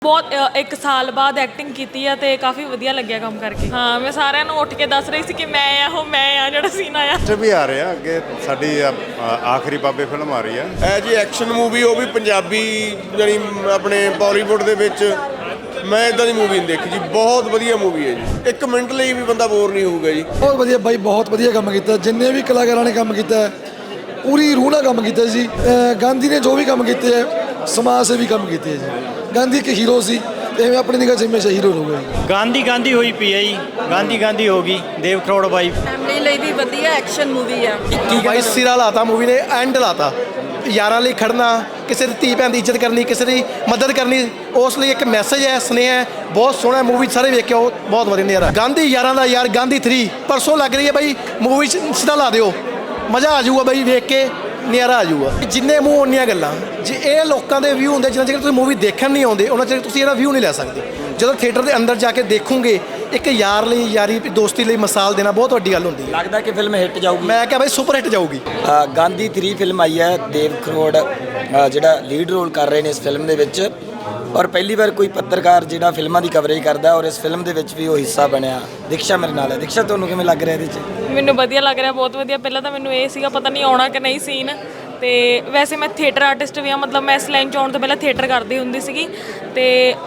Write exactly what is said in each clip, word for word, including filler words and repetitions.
ਬਹੁਤ ਅ, ਇੱਕ ਸਾਲ ਬਾਅਦ ਐਕਟਿੰਗ ਕੀਤੀ ਆ ਤੇ ਕਾਫੀ ਵਧੀਆ ਲੱਗਿਆ ਕੰਮ ਕਰਕੇ। ਹਾਂ, ਮੈਂ ਸਾਰਿਆਂ ਨੂੰ ਉੱਠ ਕੇ ਦੱਸ ਰਹੀ ਸੀ ਕਿ ਮੈਂ ਆ ਉਹ ਮੈਂ ਆ ਜਿਹੜਾ ਸੀਨ ਆਇਆ। ਅੱਛਾ ਵੀ ਆ ਰਿਹਾ ਅੱਗੇ ਸਾਡੀ ਆ- ਆ- ਆਖਰੀ ਬਾਬੇ ਫਿਲਮ ਆ ਰਹੀ ਆ। ਇਹ ਜੀ ਐਕਸ਼ਨ ਮੂਵੀ, ਉਹ ਵੀ ਪੰਜਾਬੀ, ਜਾਨੀ ਆਪਣੇ ਬਾਲੀਵੁੱਡ ਦੇ ਵਿੱਚ ਮੈਂ ਇਦਾਂ ਦੀ ਮੂਵੀ ਨਹੀਂ ਦੇਖੀ ਜੀ। ਬਹੁਤ ਵਧੀਆ ਮੂਵੀ ਹੈ ਜੀ, ਇੱਕ ਮਿੰਟ ਲਈ ਵੀ ਬੰਦਾ ਬੋਰ ਨਹੀਂ ਹੋਊਗਾ ਜੀ। ਬਹੁਤ ਵਧੀਆ ਬਾਈ, ਬਹੁਤ ਵਧੀਆ ਕੰਮ ਕੀਤਾ। ਜਿੰਨੇ ਵੀ ਕਲਾਕਾਰਾਂ ਨੇ ਕੰਮ ਕੀਤਾ ਪੂਰੀ ਰੂਹ ਨਾਲ ਕੰਮ ਕੀਤਾ ਜੀ। ਅਹ ਗਾਂਧੀ ਨੇ ਜੋ ਵੀ ਕੰਮ ਕੀਤੇ ਹੈ ਸਮਾਜ ਸੇਵੀ ਕੰਮ ਕੀਤੇ ਹੈ ਜੀ। ਗਾਂਧੀ ਇੱਕ ਹੀਰੋ ਸੀ ਤੇ ਐਵੇਂ ਆਪਣੀ ਨਿਗਾਹ 'ਚ ਹਮੇਸ਼ਾ ਹੀਰੋ ਰਹੂਗਾ ਜੀ। ਗਾਂਧੀ ਗਾਂਧੀ ਹੋਈ ਪਈ ਹੈ ਜੀ, ਗਾਂਧੀ ਗਾਂਧੀ ਹੋ ਗਈ। ਦੇਵ ਕਰੋੜ ਬਾਈ ਫੈਮਿਲੀ ਲਈ ਵੀ ਵਧੀਆ ਐਕਸ਼ਨ ਮੂਵੀ ਆ। ਬਾਈ ਸਿਰਾ ਲਾਤਾ ਮੂਵੀ ਨੇ, ਐਂਡ ਲਾਤਾ। ਯਾਰਾਂ ਲਈ ਖੜਨਾ, ਕਿਸੇ ਦੀ ਧੀ ਭੈਣ ਦੀ ਇੱਜ਼ਤ ਕਰਨੀ, ਕਿਸੇ ਦੀ ਮਦਦ ਕਰਨੀ, ਉਸ ਲਈ ਇੱਕ ਮੈਸੇਜ ਹੈ, ਸੁਨੇਹਾ ਹੈ। ਬਹੁਤ ਸੋਹਣਾ ਮੂਵੀ, ਸਾਰੇ ਵੇਖ ਕੇ ਆਓ, ਬਹੁਤ ਵਧੀਆ ਨਜ਼ਾਰਾ। ਗਾਂਧੀ ਯਾਰਾਂ ਦਾ ਯਾਰ, ਗਾਂਧੀ ਥ੍ਰੀ ਪਰਸੋਂ ਲੱਗ ਰਹੀ ਹੈ ਬਾਈ। ਮੂਵੀ 'ਚ ਸਿੱਧਾ ਲਾ ਦਿਓ, ਮਜ਼ਾ ਆ ਜਾਊਗਾ ਬਾਈ, ਵੇਖ ਕੇ ਨਜ਼ਾਰਾ ਆ ਜਾਊਗਾ। ਜਿੰਨੇ ਮੂੰਹ ਉਨੀਆਂ ਗੱਲਾਂ। ਜੇ ਇਹ ਲੋਕਾਂ ਦੇ ਵਿਊ ਹੁੰਦੇ ਜਿੰਨਾ ਚਿਰ ਤੁਸੀਂ ਮੂਵੀ ਦੇਖਣ ਨਹੀਂ ਆਉਂਦੇ ਉਹਨਾਂ ਚਿਰ ਤੁਸੀਂ ਇਹਦਾ ਵਿਊ ਨਹੀਂ ਲੈ ਸਕਦੇ। ਜਦੋਂ ਥੀਏਟਰ ਦੇ ਅੰਦਰ ਜਾ ਕੇ ਦੇਖੋਗੇ, ਇੱਕ ਯਾਰ ਲਈ, ਯਾਰੀ ਦੋਸਤੀ ਲਈ ਮਿਸਾਲ ਦੇਣਾ ਬਹੁਤ ਵੱਡੀ ਗੱਲ ਹੁੰਦੀ ਹੈ। ਲੱਗਦਾ ਕਿ ਫਿਲਮ ਹਿੱਟ ਜਾਊਗੀ। ਮੈਂ ਕਿਹਾ ਬਾਈ ਸੁਪਰ ਹਿੱਟ ਜਾਊਗੀ। ਅ, ਗਾਂਧੀ ਥ੍ਰੀ ਫਿਲਮ ਆਈ ਹੈ। ਦੇਵ ਕਰੋੜ ਅ, ਜਿਹੜਾ ਲੀਡ ਰੋਲ ਕਰ ਰਹੇ ਨੇ ਇਸ ਫਿਲਮ ਦੇ ਵਿੱਚ, ਔਰ ਪਹਿਲੀ ਵਾਰ ਕੋਈ ਪੱਤਰਕਾਰ ਜਿਹੜਾ ਫਿਲਮਾਂ ਦੀ ਕਵਰੇਜ ਕਰਦਾ, ਔਰ ਇਸ ਫਿਲਮ ਦੇ ਵਿੱਚ ਵੀ ਉਹ ਹਿੱਸਾ ਬਣਿਆ। ਦੀਕਸ਼ਾ ਮੇਰੇ ਨਾਲ ਹੈ। ਦੀਕਸ਼ਾ, ਤੁਹਾਨੂੰ ਕਿਵੇਂ ਲੱਗ ਰਿਹਾ ਇਹਦੇ 'ਚ? ਮੈਨੂੰ ਵਧੀਆ ਲੱਗ ਰਿਹਾ, ਬਹੁਤ ਵਧੀਆ। ਪਹਿਲਾਂ ਤਾਂ ਮੈਨੂੰ ਇਹ ਸੀਗਾ ਪਤਾ ਨਹੀਂ ਆਉਣਾ ਕਿ ਨਹੀਂ ਸੀਨ, ਤੇ ਵੈਸੇ ਮੈਂ ਥੀਏਟਰ ਆਰਟਿਸਟ ਵੀ ਆ, ਮਤਲਬ ਮੈਂ ਇਸ ਲਾਈਨ 'ਚ ਆਉਣ ਤੋਂ ਪਹਿਲਾਂ ਥੀਏਟਰ ਕਰਦੀ ਹੁੰਦੀ ਸੀਗੀ ਤੇ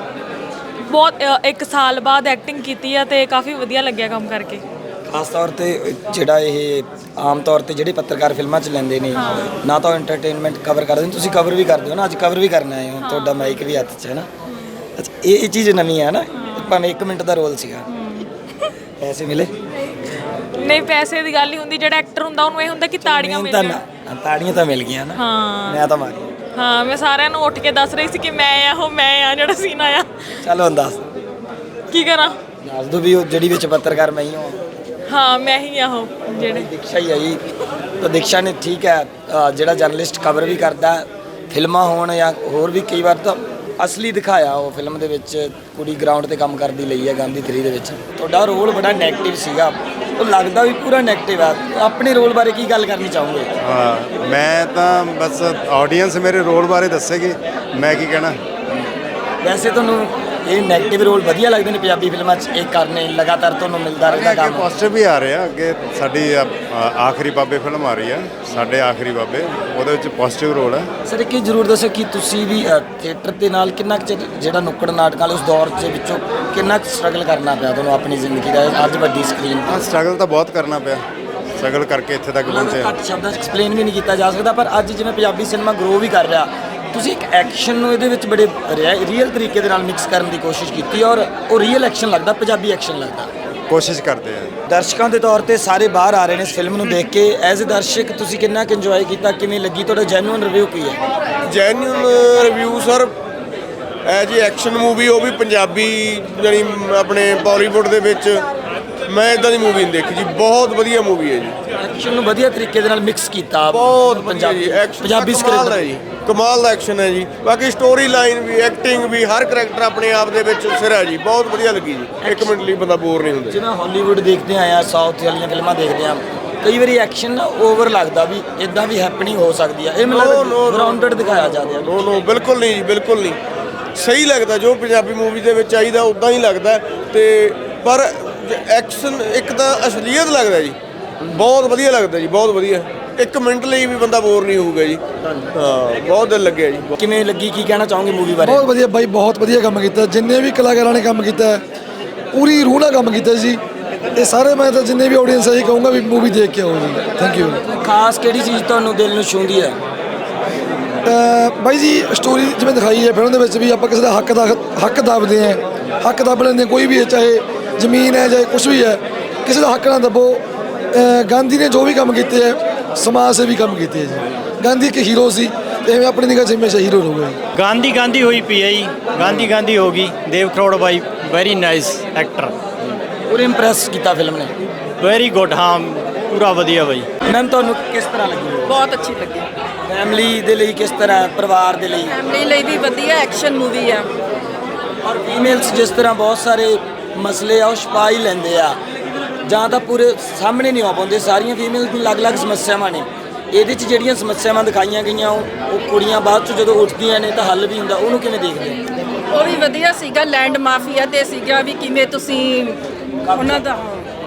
ਬਹੁਤ ਅ, ਇੱਕ ਸਾਲ ਬਾਅਦ ਐਕਟਿੰਗ ਕੀਤੀ ਆ ਤੇ ਕਾਫੀ ਵਧੀਆ ਲੱਗਿਆ ਕੰਮ ਕਰਕੇ। ਖਾਸ ਤੌਰ ਤੇ ਜਿਹੜਾ ਇਹ ਆਮ ਤੌਰ ਤੇ ਜਿਹੜੇ ਪੱਤਰਕਾਰ ਫਿਲਮਾਂ 'ਚ ਲੈਂਦੇ ਨੇ, ਨਾ ਤਾਂ ਐਂਟਰਟੇਨਮੈਂਟ ਕਵਰ ਕਰਦੇ ਨੇ, ਤੁਸੀਂ ਕਵਰ ਵੀ ਕਰਦੇ ਹੋ ਨਾ। ਅੱਜ ਕਵਰ ਵੀ ਕਰਨਾ ਹੈ, ਤੁਹਾਡਾ ਮਾਈਕ ਵੀ ਹੱਥ 'ਚ ਹੈ ਨਾ। ਅੱਛਾ, ਇਹ ਇਹ ਚੀਜ਼ ਨਵੀਂ ਹੈ ਨਾ, ਭਾਵੇਂ ਇੱਕ ਮਿੰਟ ਦਾ ਰੋਲ ਸੀਗਾ। ਪੈਸੇ ਮਿਲੇ? ਨਹੀਂ, ਪੈਸੇ ਦੀ ਗੱਲ ਨਹੀਂ ਹੁੰਦੀ। ਜਿਹੜਾ ਐਕਟਰ ਹੁੰਦਾ ਉਹਨੂੰ ਇਹ ਹੁੰਦਾ ਕਿ ਤਾੜੀਆਂ ਮਿਲ ਤਾਂ ਜਾਣ। ਨਾ, ਤਾੜੀਆਂ ਤਾਂ ਮਿਲ ਗਈਆਂ ਨਾ। ਹਾਂ ਮੈਂ ਤਾਂ ਮਾਰੀ। ਹਾਂ, ਮੈਂ ਸਾਰਿਆਂ ਨੂੰ ਉੱਠ ਕੇ ਦੱਸ ਰਹੀ ਸੀ ਕਿ ਮੈਂ ਆ ਉਹ ਮੈਂ ਆ ਜਿਹੜਾ ਸੀਨ ਆਇਆ। ਚਲੋ ਹੁਣ ਦੱਸ ਕੀ ਕਰਾਂ? ਦੱਸ ਦੋ ਵੀ ਉਹ ਜਿਹੜੀ ਵਿੱਚ ਪੱਤਰਕਾਰ ਮੈਂ ਹੀ ਹਾਂ। ਹਾਂ, ਮੈਂ ਹੀ ਆ ਉਹ ਜਿਹੜੇ। ਦੀਕਸ਼ਾ ਹੀ ਹੈ ਜੀ। ਤਾਂ ਦੀਕਸ਼ਾ ਨੇ ਠੀਕ ਹੈ, ਅ, ਜਿਹੜਾ ਜਰਨਲਿਸਟ ਕਵਰ ਵੀ ਕਰਦਾ, ਫਿਲਮਾਂ ਹੋਣ ਜਾਂ ਹੋਰ ਵੀ ਕਈ ਵਾਰ ਤਾਂ ਅਸਲੀ ਦਿਖਾਇਆ ਉਹ ਫਿਲਮ ਦੇ ਵਿੱਚ। ਕੁੜੀ ਗਰਾਊਂਡ ਤੇ ਕੰਮ ਕਰਦੀ ਲਈ ਹੈ ਗਾਂਧੀ ਥ੍ਰੀ ਦੇ ਵਿੱਚ। ਤੁਹਾਡਾ ਰੋਲ ਬੜਾ ਨੈਗੇਟਿਵ ਸੀਗਾ, ਉਹ ਲੱਗਦਾ ਵੀ ਪੂਰਾ ਨੈਗੇਟਿਵ ਆ। ਆਪਣੇ ਰੋਲ ਬਾਰੇ ਕੀ ਗੱਲ ਕਰਨੀ ਚਾਹੋਗੇ? ਹਾਂ, ਮੈਂ ਤਾਂ ਬਸ ਆਡੀਅנס ਮੇਰੇ ਰੋਲ ਬਾਰੇ ਦੱਸੇਗੀ, ਮੈਂ ਕੀ ਕਹਿਣਾ। ਵੈਸੇ ਤੁਹਾਨੂੰ ਇਹ ਨੈਗੇਟਿਵ ਰੋਲ ਵਧੀਆ ਲੱਗਦੇ ਨੇ ਪੰਜਾਬੀ ਫਿਲਮਾਂ 'ਚ ਇਹ ਕਰਨੇ, ਲਗਾਤਾਰ ਤੁਹਾਨੂੰ ਮਿਲਦਾ ਰਹਿੰਦਾ ਅੱਗੇ ਕੰਮ? ਪੋਸਟਰ ਵੀ ਆ ਰਿਹਾ ਅੱਗੇ ਸਾਡੀ ਆ- ਆ- ਆਖਰੀ ਬਾਬੇ ਫਿਲਮ ਆ ਰਹੀ ਆ, ਸਾਡੇ ਆਖਰੀ ਬਾਬੇ। ਉਹਦੇ ਵਿੱਚ ਪੋਜ਼ਿਟਿਵ ਰੋਲ ਹੈ। ਸਰ ਇੱਕ ਜ਼ਰੂਰ ਦੱਸੋ ਕਿ ਤੁਸੀਂ ਵੀ ਥੀਏਟਰ ਦੇ ਨਾਲ ਕਿੰਨਾ ਕੁ ਚਿਰ, ਜਿਹੜਾ ਨੁੱਕੜ ਨਾਟਕ ਵਾਲੇ ਉਸ ਦੌਰ ਦੇ ਵਿੱਚੋਂ ਕਿੰਨਾ ਕੁ ਸਟਰਗਲ ਕਰਨਾ ਪਿਆ ਤੁਹਾਨੂੰ ਆਪਣੀ ਜ਼ਿੰਦਗੀ ਦਾ, ਅੱਜ ਵੱਡੀ ਸਕਰੀਨ ਹਾਂ, ਸਟਰਗਲ ਤਾਂ ਬਹੁਤ ਕਰਨਾ ਪਿਆ। ਸਟਰਗਲ ਕਰਕੇ ਇੱਥੇ ਤੱਕ ਪਹੁੰਚੇ। ਘੱਟ ਸ਼ਬਦਾਂ 'ਚ ਐਕਸਪਲੇਨ ਵੀ ਨਹੀਂ ਕੀਤਾ ਜਾ ਸਕਦਾ। ਪਰ ਅੱਜ ਜਿਵੇਂ ਪੰਜਾਬੀ ਸਿਨੇਮਾ ਗਰੋ ਵੀ ਕਰ ਰਿਹਾ, ਤੁਸੀਂ ਇੱਕ ਐਕਸ਼ਨ ਨੂੰ ਇਹਦੇ ਵਿੱਚ ਬੜੇ ਰੀਅਲ ਤਰੀਕੇ ਦੇ ਨਾਲ ਮਿਕਸ ਕਰਨ ਦੀ ਕੋਸ਼ਿਸ਼ ਕੀਤੀ, ਔਰ ਉਹ ਰੀਅਲ ਐਕਸ਼ਨ ਲੱਗਦਾ, ਪੰਜਾਬੀ ਐਕਸ਼ਨ ਲੱਗਦਾ। ਕੋਸ਼ਿਸ਼ ਕਰਦੇ ਆ। ਦਰਸ਼ਕਾਂ ਦੇ ਤੌਰ ਤੇ ਸਾਰੇ ਬਾਹਰ ਆ ਰਹੇ ਨੇ ਇਸ ਫਿਲਮ ਨੂੰ ਦੇਖ ਕੇ। ਐਜ਼ ਅ ਦਰਸ਼ਕ ਤੁਸੀਂ ਕਿੰਨਾ ਕੁ ਇੰਜੋਏ ਕੀਤਾ, ਕਿਵੇਂ ਲੱਗੀ, ਤੁਹਾਡਾ ਜੈਨੂਅਨ ਰਿਵਿਊ ਕੀ ਹੈ? ਜੈਨੂਅਨ ਰਿਵਿਊ ਸਰ, ਇਹ ਜੀ ਐਕਸ਼ਨ ਮੂਵੀ, ਉਹ ਵੀ ਪੰਜਾਬੀ, ਜਾਨੀ ਆਪਣੇ ਬਾਲੀਵੁੱਡ ਦੇ ਵਿੱਚ ਮੈਂ ਇਦਾਂ ਦੀ ਮੂਵੀ ਨਹੀਂ ਦੇਖੀ ਜੀ। ਬਹੁਤ ਵਧੀਆ ਮੂਵੀ ਹੈ ਜੀ। ਐਕਸ਼ਨ ਨੂੰ ਵਧੀਆ ਤਰੀਕੇ ਦੇ ਨਾਲ ਮਿਕਸ ਕੀਤਾ, ਬਹੁਤ ਵਧੀਆ ਪੰਜਾਬੀ ਜੀ। ਐਕਸ਼ਨ ਪੰਜਾਬੀ ਕਮਾਲ ਸਕ੍ਰਿਪਟ ਦਾ ਜੀ, ਕਮਾਲ ਦਾ ਐਕਸ਼ਨ ਹੈ ਜੀ। ਬਾਕੀ ਸਟੋਰੀ ਲਾਈਨ ਵੀ, ਐਕਟਿੰਗ ਵੀ, ਹਰ ਕਰੈਕਟਰ ਆਪਣੇ ਆਪ ਦੇ ਵਿੱਚ ਸਿਰ ਹੈ ਜੀ। ਬਹੁਤ ਵਧੀਆ ਲੱਗੀ ਜੀ, ਇੱਕ ਮਿੰਟ ਲਈ ਬੰਦਾ ਬੋਰ ਨਹੀਂ ਹੁੰਦਾ। ਜਿਵੇਂ ਹਾਲੀਵੁੱਡ ਦੇਖਦੇ ਆਏ ਆ, ਸਾਊਥ ਵਾਲੀਆਂ ਫਿਲਮਾਂ ਦੇਖਦੇ ਆ, ਕਈ ਵਾਰੀ ਐਕਸ਼ਨ ਨਾ ਓਵਰ ਲੱਗਦਾ ਵੀ ਇਦਾਂ ਵੀ ਹੈਪਨਿੰਗ ਹੋ ਸਕਦੀ ਆ। ਇਹ ਮੈਨੂੰ ਗਰਾਊਂਡਡ ਦਿਖਾਇਆ ਜਾਂਦਾ। ਨੋ ਨੋ, ਬਿਲਕੁਲ ਨਹੀਂ ਜੀ, ਬਿਲਕੁਲ ਨਹੀਂ। ਸਹੀ ਲੱਗਦਾ ਜੋ ਪੰਜਾਬੀ ਮੂਵੀ ਦੇ ਵਿੱਚ ਚਾਹੀਦਾ ਉਦਾਂ ਹੀ ਲੱਗਦਾ। ਤੇ ਪਰ ਐਕਸ਼ਨ ਇੱਕ ਤਾਂ ਅਸਲੀਅਤ ਲੱਗਦਾ ਜੀ, ਬਹੁਤ ਵਧੀਆ ਲੱਗਦਾ ਜੀ, ਬਹੁਤ ਵਧੀਆ। ਇੱਕ ਮਿੰਟ ਲਈ ਵੀ ਬੰਦਾ ਬੋਰ ਨਹੀਂ ਹੋਊਗਾ ਜੀ। ਹਾਂ, ਬਹੁਤ ਦਿਲ ਲੱਗਿਆ ਜੀ। ਕਿਵੇਂ ਲੱਗੀ, ਕੀ ਕਹਿਣਾ ਚਾਹੋਗੇ ਮੂਵੀ ਬਾਰੇ? ਬਹੁਤ ਵਧੀਆ ਬਾਈ, ਬਹੁਤ ਵਧੀਆ ਕੰਮ ਕੀਤਾ। ਜਿੰਨੇ ਵੀ ਕਲਾਕਾਰਾਂ ਨੇ ਕੰਮ ਕੀਤਾ ਪੂਰੀ ਰੂਹ ਨਾਲ ਕੰਮ ਕੀਤਾ ਜੀ। ਇਹ ਸਾਰੇ ਮੈਂ ਤਾਂ ਜਿੰਨੇ ਵੀ ਆਡੀਅנס ਹੈ ਇਹ ਕਹੂੰਗਾ ਵੀ ਮੂਵੀ ਦੇਖ ਕੇ ਆਓ ਜੀ। Thank you. ਖਾਸ ਕਿਹੜੀ ਚੀਜ਼ ਤੁਹਾਨੂੰ ਦਿਲ ਨੂੰ ਛੂੰਹਦੀ ਹੈ? ਬਾਈ ਜੀ ਸਟੋਰੀ ਜਿਵੇਂ ਦਿਖਾਈ ਹੈ ਫਿਲਮ ਦੇ ਵਿੱਚ ਵੀ, ਆਪਾਂ ਕਿਸੇ ਦਾ ਹੱਕ ਦਾ ਹੱਕ ਦੱਬਦੇ ਹਾਂ, ਹੱਕ ਦੱਬ ਲੈਂਦੇ ਹਾਂ, ਕੋਈ ਵੀ ਹੈ, ਚਾਹੇ ਜ਼ਮੀਨ ਹੈ ਚਾਹੇ ਕੁਛ ਵੀ ਹੈ, ਕਿਸੇ ਦਾ ਹੱਕ ਨਾ ਦੱਬੋ। ਅਹ ਗਾਂਧੀ ਨੇ ਜੋ ਵੀ ਕੰਮ ਕੀਤੇ ਹੈ ਸਮਾਜ ਸੇਵੀ ਕੰਮ ਕੀਤੇ ਹੈ ਜੀ। ਗਾਂਧੀ ਇੱਕ ਹੀਰੋ ਸੀ ਤੇ ਐਵੇਂ ਆਪਣੀ ਨਿਗਾਹ 'ਚ ਹਮੇਸ਼ਾ ਹੀਰੋ ਰਹੂਗਾ ਜੀ। ਗਾਂਧੀ ਗਾਂਧੀ ਹੋਈ ਪਈ ਹੈ ਜੀ, ਗਾਂਧੀ ਗਾਂਧੀ ਹੋ ਗਈ। ਦੇਵ ਕਰੋੜ ਬਾਈ ਵੈਰੀ ਨਾਈਸ ਐਕਟਰ, ਪੂਰੇ ਇੰਪ੍ਰੈਸ ਕੀਤਾ ਫਿਲਮ ਨੇ। Very good. ਹਾਂ, ਪੂਰਾ ਵਧੀਆ ਬਾਈ। ਮੈਮ ਤੁਹਾਨੂੰ ਕਿਸ ਤਰ੍ਹਾਂ ਲੱਗੀ? ਬਹੁਤ ਅੱਛੀ ਲੱਗੀ। ਫੈਮਿਲੀ ਦੇ ਲਈ ਕਿਸ ਤਰ੍ਹਾਂ, ਪਰਿਵਾਰ ਦੇ ਲਈ? ਫੈਮਿਲੀ ਲਈ ਵੀ ਵਧੀਆ ਐਕਸ਼ਨ ਮੂਵੀ ਆ। ਔਰ ਫੀਮੇਲਸ ਜਿਸ ਤਰ੍ਹਾਂ ਬਹੁਤ ਸਾਰੇ ਮਸਲੇ ਆ ਉਹ ਛੁਪਾ ਹੀ ਲੈਂਦੇ ਆ, ਜਾਂ ਤਾਂ ਪੂਰੇ ਸਾਹਮਣੇ ਨਹੀਂ ਆ ਪਾਉਂਦੇ। ਸਾਰੀਆਂ ਫੀਮੇਲਸ ਨੂੰ ਅਲੱਗ-ਅਲੱਗ ਸਮੱਸਿਆਵਾਂ ਨੇ। ਇਹਦੇ 'ਚ ਜਿਹੜੀਆਂ ਸਮੱਸਿਆਵਾਂ ਦਿਖਾਈਆਂ ਗਈਆਂ ਉਹ ਉਹ ਕੁੜੀਆਂ ਬਾਅਦ 'ਚ ਜਦੋਂ ਉੱਠਦੀਆਂ ਨੇ ਤਾਂ ਹੱਲ ਵੀ ਹੁੰਦਾ, ਉਹਨੂੰ ਕਿਵੇਂ ਦੇਖਦੇ? ਉਹ ਵੀ ਵਧੀਆ ਸੀਗਾ। ਲੈਂਡ ਮਾਫੀਆ ਤੇ ਸੀਗਾ ਵੀ ਕਿਵੇਂ ਤੁਸੀਂ ਉਹਨਾਂ ਦਾ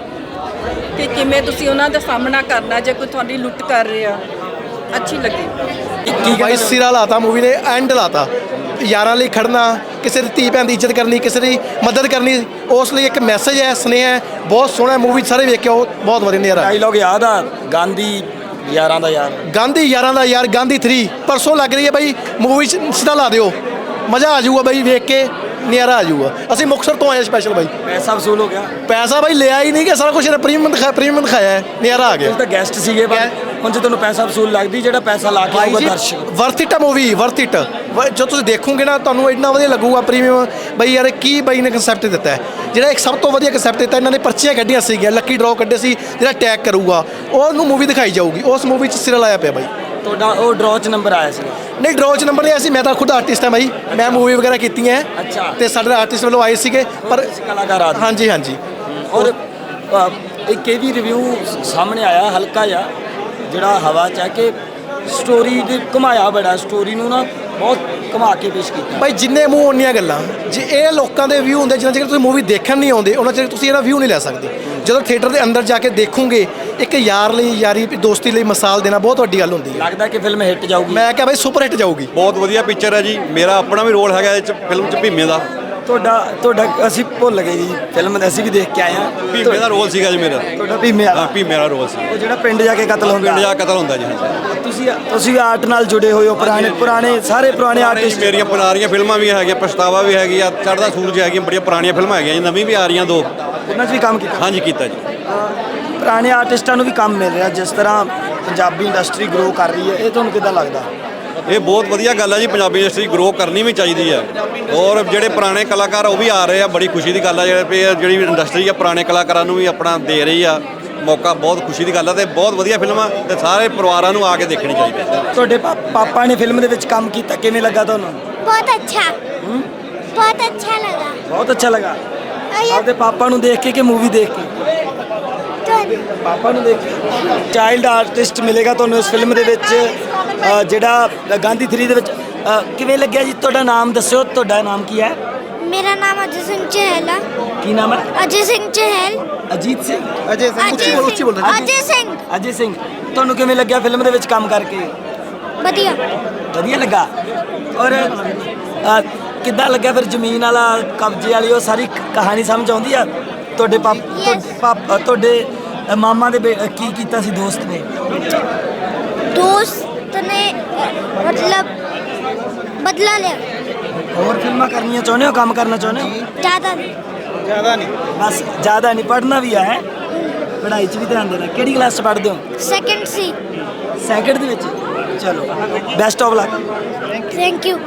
ਕਿ ਕਿਵੇਂ ਤੁਸੀਂ ਉਹਨਾਂ ਦਾ ਸਾਹਮਣਾ ਕਰਨਾ ਜੇ ਕੋਈ ਤੁਹਾਡੀ ਲੁੱਟ ਕਰ ਰਿਹਾ। ਅੱਛੀ ਲੱਗੀ। ਬਾਈ ਸਿਰਾ ਲਾਤਾ ਮੂਵੀ ਨੇ, ਐਂਡ ਲਾਤਾ। ਯਾਰਾਂ ਲਈ ਖੜਨਾ, ਕਿਸੇ ਦੀ ਧੀ ਭੈਣ ਦੀ ਇੱਜ਼ਤ ਕਰਨੀ, ਕਿਸੇ ਦੀ ਮਦਦ ਕਰਨੀ, ਉਸ ਲਈ ਇੱਕ ਮੈਸੇਜ ਹੈ, ਸੁਨੇਹਾ ਹੈ। ਬਹੁਤ ਸੋਹਣਾ ਮੂਵੀ, ਸਾਰੇ ਵੇਖਿਓ, ਬਹੁਤ ਵਧੀਆ ਨਜ਼ਾਰਾ। ਡਾਇਲੌਗ ਯਾਦ ਆ ਗਾਂਧੀ ਯਾਰਾਂ ਦਾ ਯਾਰ, ਗਾਂਧੀ ਯਾਰਾਂ ਦਾ ਯਾਰ, ਗਾਂਧੀ ਥ੍ਰੀ ਪਰਸੋਂ ਲੱਗ ਰਹੀ ਹੈ ਬਾਈ। ਮੂਵੀ ਸਿੱਧਾ ਲਾ ਦਿਓ, ਮਜ਼ਾ ਆ ਜਾਊਗਾ ਬਾਈ, ਵੇਖ ਕੇ ਨਜ਼ਾਰਾ ਆ ਜਾਊਗਾ। ਅਸੀਂ ਮੁਕਤਸਰ ਤੋਂ ਆਏ ਸਪੈਸ਼ਲ ਬਾਈ। ਪੈਸਾ ਵਸੂਲ ਹੋ ਗਿਆ। ਪੈਸਾ ਬਾਈ ਲਿਆ ਹੀ ਨਹੀਂ ਕਿ ਸਾਰਾ ਕੁਝ ਇਹਨੇ ਪ੍ਰੀਮੀਅਮ ਦਿਖਾਇਆ, ਪ੍ਰੀਮੀਅਮ ਦਿਖਾਇਆ ਹੈ, ਨਜ਼ਾਰਾ ਆ ਗਿਆ। ਤੁਸੀਂ ਤਾਂ ਗੈਸਟ ਸੀਗੇ ਪਰ ਹੁਣ ਜੇ ਤੁਹਾਨੂੰ ਪੈਸਾ ਵਸੂਲ ਲੱਗਦੀ, ਜਿਹੜਾ ਪੈਸਾ ਲਾ ਕੇ ਆਊਗਾ ਦਰਸ਼ਕ। ਵਰਥ ਇਟ ਆ ਮੂਵੀ, ਵਰਥ ਇਟ। ਜੋ ਤੁਸੀਂ ਦੇਖੋਗੇ ਨਾ ਤੁਹਾਨੂੰ ਇੰਨਾ ਵਧੀਆ ਲੱਗੂਗਾ। ਪ੍ਰੀਮੀਅਮ ਬਾਈ ਯਾਰ ਕੀ ਬਾਈ ਨੇ ਕਨਸੈਪਟ ਦਿੱਤਾ ਹੈ, ਜਿਹੜਾ ਇੱਕ ਸਭ ਤੋਂ ਵਧੀਆ ਕਨਸੈਪਟ ਦਿੱਤਾ। ਇਹਨਾਂ ਨੇ ਪਰਚੀਆਂ ਕੱਢੀਆਂ ਸੀਗੀਆਂ, ਲੱਕੀ ਡਰਾਅ ਕੱਢੇ ਸੀ, ਜਿਹੜਾ ਟੈਗ ਕਰੂਗਾ ਉਹਨੂੰ ਮੂਵੀ ਦਿਖਾਈ ਜਾਊਗੀ। ਉਸ ਮੂਵੀ 'ਚ ਸਿਰਾ ਲਾਇਆ ਪਿਆ ਬਾਈ। ਤੁਹਾਡਾ ਉਹ ਡਰਾਅ 'ਚ ਨੰਬਰ ਆਇਆ ਸੀ? ਨਹੀਂ, ਡਰਾਅ 'ਚ ਨੰਬਰ ਨਹੀਂ ਆਇਆ ਸੀ। ਮੈਂ ਤਾਂ ਖੁਦ ਆਰਟਿਸਟ ਹਾਂ ਬਾਈ, ਮੈਂ ਮੂਵੀ ਵਗੈਰਾ ਕੀਤੀਆਂ ਹੈ। ਅੱਛਾ। ਤੇ ਸਾਡੇ ਆਰਟਿਸਟ ਵੱਲੋਂ ਆਏ ਸੀਗੇ ਪਰ ਕਲਾਕਾਰ ਆ। ਹਾਂਜੀ ਹਾਂਜੀ। ਔਰ ਅ, ਇੱਕ ਇਹ ਵੀ ਰਿਵਿਊ ਸਾਹਮਣੇ ਆਇਆ ਹਲਕਾ ਜਿਹਾ, ਜਿਹੜਾ ਹਵਾ 'ਚ ਹੈ ਕਿ ਸਟੋਰੀ ਦੇ ਘੁਮਾਇਆ ਬੜਾ, ਸਟੋਰੀ ਨੂੰ ਨਾ ਬਹੁਤ ਘੁਮਾ ਕੇ ਪੇਸ਼ ਕੀਤਾ। ਭਾਈ ਜਿੰਨੇ ਮੂੰਹ ਓਨੀਆਂ ਗੱਲਾਂ। ਜੇ ਇਹ ਲੋਕਾਂ ਦੇ ਵਿਊ ਹੁੰਦੇ, ਜਿੰਨਾ ਚਿਰ ਤੁਸੀਂ ਮੂਵੀ ਦੇਖਣ ਨਹੀਂ ਆਉਂਦੇ ਉਹਨਾਂ ਚਿਰ ਤੁਸੀਂ ਇਹਦਾ ਵਿਊ ਨਹੀਂ ਲੈ ਸਕਦੇ। ਜਦੋਂ ਥੀਏਟਰ ਦੇ ਅੰਦਰ ਜਾ ਕੇ ਦੇਖੋਗੇ, ਇੱਕ ਯਾਰ ਲਈ, ਯਾਰੀ ਦੋਸਤੀ ਲਈ ਮਿਸਾਲ ਦੇਣਾ ਬਹੁਤ ਵੱਡੀ ਗੱਲ ਹੁੰਦੀ ਹੈ। ਲੱਗਦਾ ਕਿ ਫਿਲਮ ਹਿੱਟ ਜਾਊਗੀ। ਮੈਂ ਕਿਹਾ ਬਾਈ ਸੁਪਰ ਹਿੱਟ ਜਾਊਗੀ। ਬਹੁਤ ਵਧੀਆ ਪਿਕਚਰ ਹੈ ਜੀ। ਮੇਰਾ ਆਪਣਾ ਵੀ ਰੋਲ ਹੈਗਾ ਇਹ 'ਚ, ਫਿਲਮ 'ਚ ਭੀਮੇ ਦਾ। ਤੁਹਾਡਾ ਤੁਹਾਡਾ ਅਸੀਂ ਭੁੱਲ ਗਏ ਜੀ, ਫਿਲਮ ਅਸੀਂ ਵੀ ਦੇਖ ਕੇ ਆਏ ਹਾਂ। ਭੀਮੇ ਦਾ ਰੋਲ ਸੀਗਾ ਜੀ ਮੇਰਾ। ਤੁਹਾਡਾ ਭੀਮੇ ਵਾਲਾ? ਹਾਂ, ਭੀਮੇ ਦਾ ਰੋਲ ਸੀ। ਉਹ ਜਿਹੜਾ ਪਿੰਡ ਜਾ ਕੇ ਕਤਲ ਹੁੰਦਾ। ਪਿੰਡ ਜਾ ਕੇ ਕਤਲ ਹੁੰਦਾ ਜੀ। ਹਾਂਜੀ। ਤੁਸੀਂ ਤੁਸੀਂ ਆਰਟ ਨਾਲ ਜੁੜੇ ਹੋਏ ਹੋ, ਪੁਰਾਣੇ ਪੁਰਾਣੇ ਸਾਰੇ ਪੁਰਾਣੇ ਆਰਟਿਸਟ। ਮੇਰੀਆਂ ਪੁਰਾਣੀਆਂ ਫਿਲਮਾਂ ਵੀ ਹੈਗੀਆਂ, ਪਛਤਾਵਾ ਵੀ ਹੈਗੀ ਆ, ਚੜ੍ਹਦਾ ਸੂਰਜ ਹੈਗੀਆਂ, ਬੜੀਆਂ ਪੁਰਾਣੀਆਂ ਫਿਲਮਾਂ ਹੈਗੀਆਂ ਜੀ, ਨਵੀਂ ਵੀ ਆ ਰਹੀਆਂ ਦੋ। ਉਹਨਾਂ 'ਚ ਵੀ ਕੰਮ ਕੀਤਾ? ਹਾਂਜੀ ਕੀਤਾ ਜੀ। ਪੁਰਾਣੇ ਆਰਟਿਸਟਾਂ ਨੂੰ ਵੀ ਕੰਮ ਮਿਲ ਰਿਹਾ, ਜਿਸ ਤਰ੍ਹਾਂ ਪੰਜਾਬੀ ਇੰਡਸਟਰੀ ਗਰੋ ਕਰ ਰਹੀ ਹੈ, ਇਹ ਤੁਹਾਨੂੰ ਕਿੱਦਾਂ ਲੱਗਦਾ? ਇਹ ਬਹੁਤ ਵਧੀਆ ਗੱਲ ਹੈ ਜੀ। ਪੰਜਾਬੀ ਇੰਡਸਟਰੀ ਗਰੋ ਕਰਨੀ ਵੀ ਚਾਹੀਦੀ ਹੈ। ਔਰ ਜਿਹੜੇ ਪੁਰਾਣੇ ਕਲਾਕਾਰ ਉਹ ਵੀ ਆ ਰਹੇ ਆ, ਬੜੀ ਖੁਸ਼ੀ ਦੀ ਗੱਲ ਹੈ। ਜਿਹੜੇ ਜਿਹੜੀ ਇੰਡਸਟਰੀ ਆ ਪੁਰਾਣੇ ਕਲਾਕਾਰਾਂ ਨੂੰ ਵੀ ਆਪਣਾ ਦੇ ਰਹੀ ਆ ਮੌਕਾ, ਬਹੁਤ ਖੁਸ਼ੀ ਦੀ ਗੱਲ ਹੈ। ਤੇ ਬਹੁਤ ਵਧੀਆ ਫਿਲਮ ਆ ਤੇ ਸਾਰੇ ਪਰਿਵਾਰਾਂ ਨੂੰ ਆ ਕੇ ਦੇਖਣੀ ਚਾਹੀਦੀ ਹੈ। ਤੁਹਾਡੇ ਪਾ- ਪਾਪਾ ਨੇ ਫਿਲਮ ਦੇ ਵਿੱਚ ਕੰਮ ਕੀਤਾ, ਕਿਵੇਂ ਲੱਗਾ ਤੁਹਾਨੂੰ? बहुत अच्छा बहुत अच्छा लगा। ਬਹੁਤ ਅੱਛਾ ਲੱਗਾ। ਆਪਦੇ ਪਾਪਾ ਨੂੰ ਦੇਖ ਕੇ ਕਿ ਮੂਵੀ ਦੇਖ ਕੇ? ਪਾਪਾ ਨੂੰ ਦੇਖ ਕੇ। ਚਾਈਲਡ ਆਰਟਿਸਟ ਮਿਲੇਗਾ ਤੁਹਾਨੂੰ ਇਸ ਫਿਲਮ ਦੇ ਵਿੱਚ, ਅ, ਜਿਹੜਾ ਗਾਂਧੀ ਥ੍ਰੀ ਦੇ ਵਿੱਚ। ਅ, ਕਿਵੇਂ ਲੱਗਿਆ ਜੀ? ਤੁਹਾਡਾ ਨਾਮ ਦੱਸਿਓ, ਤੁਹਾਡਾ ਨਾਮ ਕੀ ਹੈ? मेरा नाम अजय सिंह चहल है। ਕੀ ਨਾਮ ਹੈ? अजय सिंह चहल। ਅਜੀਤ ਸਿੰਘ। ਅਜੇ अजय अजय सिंह। ਅਜੇ ਸਿੰਘ। ਤੁਹਾਨੂੰ ਕਿਵੇਂ ਲੱਗਿਆ ਫਿਲਮ ਦੇ ਵਿੱਚ ਕੰਮ ਕਰਕੇ? बढ़िया। ਵਧੀਆ ਲੱਗਾ। ਔਰ ਅ, ਕਿੱਦਾਂ ਲੱਗਿਆ ਫਿਰ ਜ਼ਮੀਨ ਵਾਲਾ, ਕਬਜ਼ੇ ਵਾਲੀ, ਉਹ ਸਾਰੀ ਕ- ਕਹਾਣੀ ਸਮਝ ਆਉਂਦੀ ਆ? ਤੁਹਾਡੇ ਪਾਪ Yes. ਪਾਪ ਤੁਹਾਡੇ ਅ, ਮਾਮਾ ਦੇ ਬੇ- ਅ, ਕੀ ਕੀਤਾ ਸੀ ਦੋਸਤ ਨੇ? दोस्त ने मतलब बदला लिया। ਹੋਰ ਫਿਲਮਾਂ ਕਰਨੀਆਂ ਚਾਹੁੰਦੇ ਹੋ, ਕੰਮ ਕਰਨਾ ਚਾਹੁੰਦੇ ਹੋ? ज़्यादा नहीं। ਜ਼ਿਆਦਾ ਨਹੀਂ, ਬਸ ਜ਼ਿਆਦਾ ਨਹੀਂ। ਪੜ੍ਹਨਾ ਵੀ ਹੈ, ਪੜ੍ਹਾਈ 'ਚ ਵੀ ਧਿਆਨ ਦੇਣਾ। ਕਿਹੜੀ ਕਲਾਸ 'ਚ ਪੜ੍ਹਦੇ ਹੋ? सेकंड सी। ਸੈਕਿੰਡ ਦੇ ਵਿੱਚ। ਚਲੋ, best of luck. Thank you.